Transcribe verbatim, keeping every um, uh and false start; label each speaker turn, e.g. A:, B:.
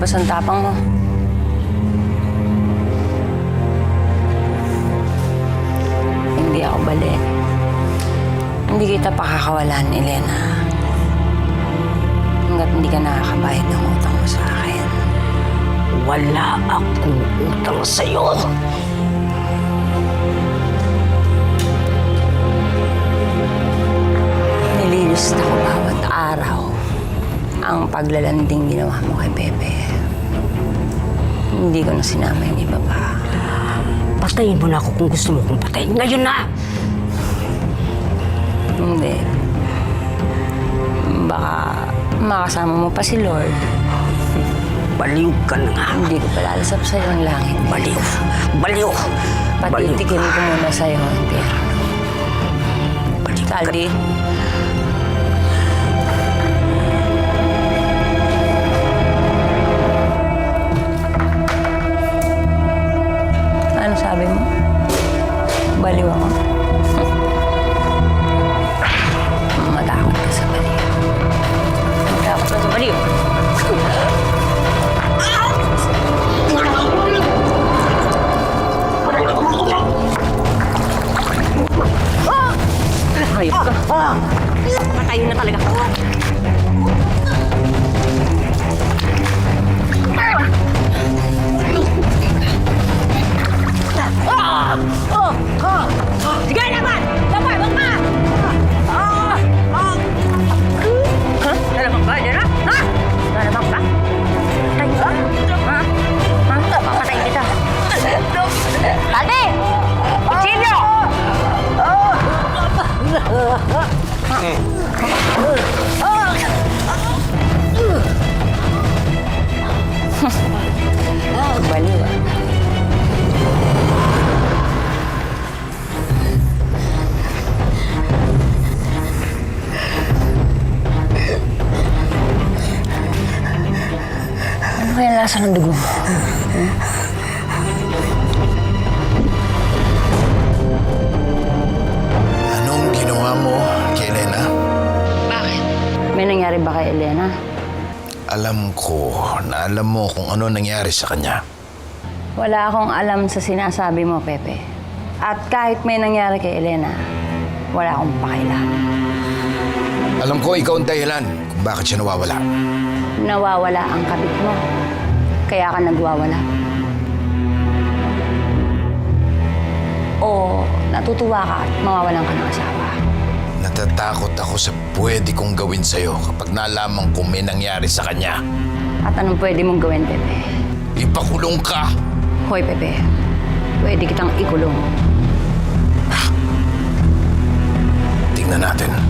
A: lumabas ang tapang mo. Hindi ako bali. Hindi kita pakakawalan, Elena. Hanggat hindi ka nakakabayad ng utang mo sa akin.
B: Wala akong utang sa'yo.
A: Nililista ko bawat araw ang paglalanding ginawa mo kay Pepe. Hindi ko na sinama yung iba pa.
B: Patayin mo na ako kung gusto mo kong patayin. Ngayon na!
A: Hindi. Baka makasama mo pa si Lord.
B: Baliw ka na nga.
A: Hindi ko palalasap sa'yo ang langit.
B: Baliw. Baliw.
A: Patitikin ko muna sa'yo ang impyerno.
B: Baliw ka.
A: Caldi. Ano sabi mo? Baliw ako? Matakot ka sa baliw. Matakot ka sa baliw. Hayop ka. Patayin na talaga. Sige naman! Dapat, wag ka! Ha? Lalamang ba? Diyan na? Ha? Lalamang ba? Patayin ka? Ha? Ha? Papatayin kita. Caldi! Kutsilyo! Baliw ah. Ano kaya lasa ng dugo mo? Hmm?
C: Anong ginawa mo kay Elena?
A: Bakit? May nangyari ba kay Elena?
C: Alam ko na alam mo kung ano nangyari sa kanya.
A: Wala akong alam sa sinasabi mo, Pepe. At kahit may nangyari kay Elena, wala akong pakialam.
C: Alam ko ikaw ang dahilan kung bakit siya nawawala.
A: Nawawala ang kabit mo. Kaya ka nagwawala. O natutuwa ka at mawawalan ka ng asawa.
C: Natatakot ako sa pwede kong gawin sa'yo kapag nalaman kung may nangyari sa kanya.
A: At anong pwede mong gawin, Pepe?
C: Ipakulong ka!
A: Hoy, Pepe. Pwede kitang ikulong.
C: Tingnan natin.